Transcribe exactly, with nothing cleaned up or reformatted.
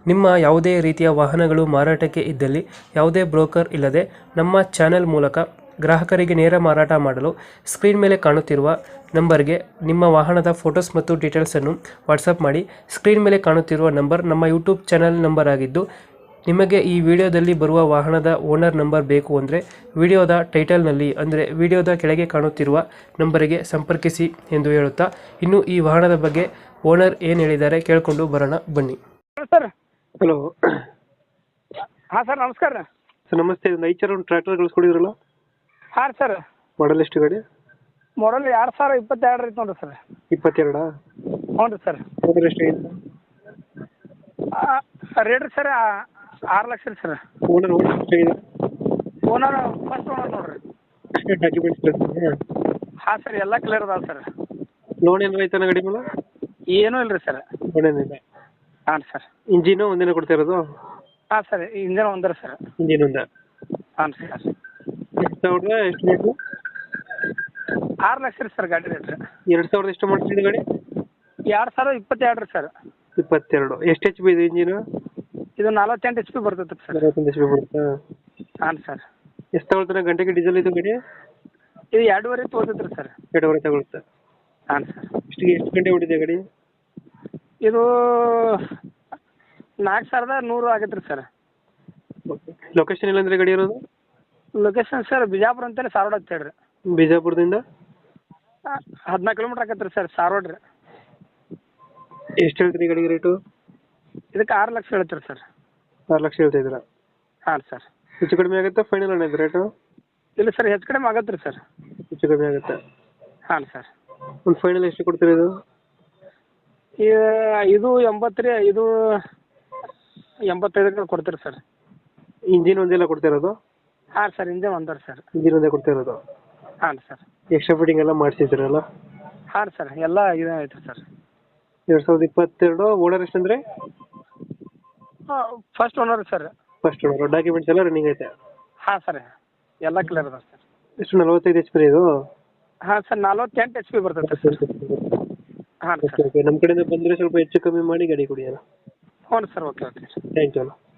ನಿಮ್ಮ ಯಾವುದೇ ರೀತಿಯ ವಾಹನಗಳು ಮಾರಾಟಕ್ಕೆ ಇದ್ದಲ್ಲಿ ಯಾವುದೇ ಬ್ರೋಕರ್ ಇಲ್ಲದೆ ನಮ್ಮ ಚಾನೆಲ್ ಮೂಲಕ ಗ್ರಾಹಕರಿಗೆ ನೇರ ಮಾರಾಟ ಮಾಡಲು ಸ್ಕ್ರೀನ್ ಮೇಲೆ ಕಾಣುತ್ತಿರುವ ನಂಬರ್ಗೆ ನಿಮ್ಮ ವಾಹನದ ಫೋಟೋಸ್ ಮತ್ತು ಡೀಟೇಲ್ಸನ್ನು ವಾಟ್ಸಪ್ ಮಾಡಿ. ಸ್ಕ್ರೀನ್ ಮೇಲೆ ಕಾಣುತ್ತಿರುವ ನಂಬರ್ ನಮ್ಮ ಯೂಟ್ಯೂಬ್ ಚಾನೆಲ್ ನಂಬರ್ ಆಗಿದ್ದು, ನಿಮಗೆ ಈ ವಿಡಿಯೋದಲ್ಲಿ ಬರುವ ವಾಹನದ ಓನರ್ ನಂಬರ್ ಬೇಕು ಅಂದರೆ ವಿಡಿಯೋದ ಟೈಟಲ್ನಲ್ಲಿ ಅಂದರೆ ವಿಡಿಯೋದ ಕೆಳಗೆ ಕಾಣುತ್ತಿರುವ ನಂಬರಿಗೆ ಸಂಪರ್ಕಿಸಿ ಎಂದು ಹೇಳುತ್ತಾ, ಇನ್ನು ಈ ವಾಹನದ ಬಗ್ಗೆ ಓನರ್ ಏನು ಹೇಳಿದ್ದಾರೆ ಕೇಳಿಕೊಂಡು ಬರೋಣ ಬನ್ನಿ. ಸರ್ ಹಲೋ ಹಾಂ ಸರ್ ನಮಸ್ಕಾರ ರೀ. ಸರ್ ನಮಸ್ತೆ. ಒಂದು ಐದು ಒಂದು ಟ್ರ್ಯಾಕ್ಟರ್ ಕಳಿಸ್ಕೊಡಿದ್ರಲ್ಲ, ಹಾಂ ಸರ್ ಮಾಡಲ್ ಎಷ್ಟು ಗಾಡಿ? ಮಾಡಲ್ ಎರಡು ಸಾವಿರ ಇಪ್ಪತ್ತೆರಡು ಐತೆ ನೋಡಿರಿ ಸರ್. ಇಪ್ಪತ್ತೆರಡಾ? ಹ್ಞೂ ರೀ ಸರ್. ಓನರ್ ಎಷ್ಟಾಗಿದೆ? ರೇಟ್ ರೀ ಸರ್ ಆರು ಲಕ್ಷ ರೀ ಸರ್. ಓನರ್ ಓನರ್ ಎಷ್ಟಾಗಿದೆ? ಓನರ್ ಫಸ್ಟ್ ಓನರ್ ನೋಡಿರಿ. ಡಾಕ್ಯುಮೆಂಟ್ಸ್ ಹಾಂ ಸರ್ ಎಲ್ಲ ಕ್ಲಿಯರ್ ಅದಾವೆ ಸರ್. ಲೋನ್ ಏನಾರ ಐತನ ಗಾಡಿ ಮೇಲೆ? ಏನೂ ಇಲ್ಲ ರೀ ಸರ್. ಲೋನ್ ಏನಿಲ್ಲ. ಹಾಂ ಸರ್. ಇಂಜಿನು ಒಂದಿನ ಕೊಡ್ತಾ ಇರೋದು? ಹಾಂ ಸರ್ ಇಂಜನ್ ಒಂದರ ಸರ್. ಇಂಜಿನ್ ಒಂದ? ಹಾಂ ಸರ್. ಎರಡು ಸಾವಿರದ ಎಷ್ಟು ಮಾಡಲು? ಆರು ಲಕ್ಷ ರೀ ಸರ್ ಗಾಡಿ ರೇಟ್ ರೀ. ಎರಡು ಸಾವಿರದ ಎಷ್ಟು ಮಾಡ್ತಿದ್ದು ಗಾಡಿ? ಎರಡು ಸಾವಿರದ ಇಪ್ಪತ್ತೆರಡು ರೀ ಸರ್. ಇಪ್ಪತ್ತೆರಡು. ಎಷ್ಟು ಎಚ್ ಪಿ ಇದು ಇಂಜಿನು? ಇದು ನಲ್ವತ್ತೆಂಟು ಎಚ್ ಪಿ ಬರ್ತೈತೆ ರೀ ಸರ್. ನಲವತ್ತೊಂದು ಎಚ್ ಪಿ ಬರುತ್ತಾ? ಹಾಂ ಸರ್. ಎಷ್ಟು ತಗೊಳ್ತಾನೆ ಗಂಟೆಗೆ ಡೀಸೆಲ್ ಇದು ಗಾಡಿ? ಇದು ಎರಡೂವರೆ ತೊಗೊತೈತೆ ರೀ ಸರ್. ಎರಡೂವರೆ ತಗೊಳುತ್ತೆ. ಹಾಂ ಸರ್. ಇಷ್ಟಿಗೆ ಎಷ್ಟು ಗಂಟೆ ಹೊಡಿದೆ ಗಾಡಿ? ಇದು ನಾಲ್ಕು ಸಾವಿರದ ನೂರು ಆಗೈತೆ ರೀ ಸರ್. ಲೊಕೇಶನ್ ಇಲ್ಲಂದ್ರೆ ಗಾಡಿ ಇರೋದು? ಲೊಕೇಶನ್ ಸರ್ ಬಿಜಾಪುರ ಅಂತೇಳಿ ಸಾರೋಡ್ ಅಂತ ಹೇಳ್ರಿ. ಬಿಜಾಪುರದಿಂದ ಹದಿನಾಲ್ಕು ಕಿಲೋಮೀಟ್ರ್ ಆಗತ್ತೆ ರೀ ಸರ್ ಸಾರೋಡ್ ರೀ. ಎಷ್ಟು ಹೇಳ್ತೀರಿ ಗಾಡಿಗೆ ರೇಟು? ಇದಕ್ಕೆ ಆರು ಲಕ್ಷ ಹೇಳ್ತೀರಿ ಸರ್. ಆರು ಲಕ್ಷ ಹೇಳ್ತಾ ಇದ್ದೀರಾ? ಹಾಂ ಸರ್. ಹೆಚ್ಚು ಕಡಿಮೆ ಆಗುತ್ತೆ ಫೈನಲ್ ಅಣ್ಣ ಇದು ರೇಟು? ಇಲ್ಲ ಸರ್ ಹೆಚ್ಚು ಕಡಿಮೆ ಆಗತ್ತೆ ರೀ ಸರ್. ಹೆಚ್ಚು ಕಡಿಮೆ ಆಗುತ್ತೆ. ಹಾಂ ಸರ್. ಒಂದು ಫೈನಲ್ ಎಷ್ಟು ಕೊಡ್ತೀರಾ ಇದು? ಇದು ಎಂಬತ್ತು ರೀ. ಇದು ಎಂಬತ್ತೈದಕ್ಕೆ ಕೊಡ್ತೀರಿ ಸರ್. ಇಂಜಿನ್ ಒಂದೆಲ್ಲ ಕೊಡ್ತಾ ಇರೋದು? ಹಾಂ ಸರ್ ಇಂಜನ್ ಒಂದರ ಸರ್. ಇಂಜಿನ್ ಒಂದೇ ಕೊಡ್ತಾ ಇರೋದು? ಹಾಂ ಸರ್. ಎಕ್ಸ್ಟ್ರಾ ಫಿಟ್ಟಿಂಗ್ ಎಲ್ಲ ಮಾಡಿಸಿದ್ರಲ್ಲ? ಹಾಂ ಸರ್ ಎಲ್ಲ ಇದು ಐತೆ ಸರ್. ಎರಡು ಸಾವಿರದ ಇಪ್ಪತ್ತೆರಡು. ಓನರ್ ಎಷ್ಟಂದರೆ? First owner sir. First owner. Documents ಎಲ್ಲ ರನ್ನಿಂಗ್ ಐತೆ? ಹಾಂ ಸರ್ ಎಲ್ಲ ಕ್ಲಿಯರ್ ಅದ ಸರ್. ಎಷ್ಟು ನಲವತ್ತೈದು ಎಚ್ ಪಿ ಇದು? ಹಾಂ ಸರ್ ನಲ್ವತ್ತೆಂಟು ಎಚ್ ಪಿ ಬರ್ತೈತೆ ಸರ್. ಹಾಂ ಸರ್. Okay okay. ನಮ್ಮ ಕಡೆಯಿಂದ ಬಂದರೆ ಸ್ವಲ್ಪ ಹೆಚ್ಚು ಕಮ್ಮಿ ಮಾಡಿ ಗಾಡಿ ಕೊಡಿ ಅಲ್ಲ. ಹ್ಞೂ sir okay okay. Thank you ಅಲ್ಲ.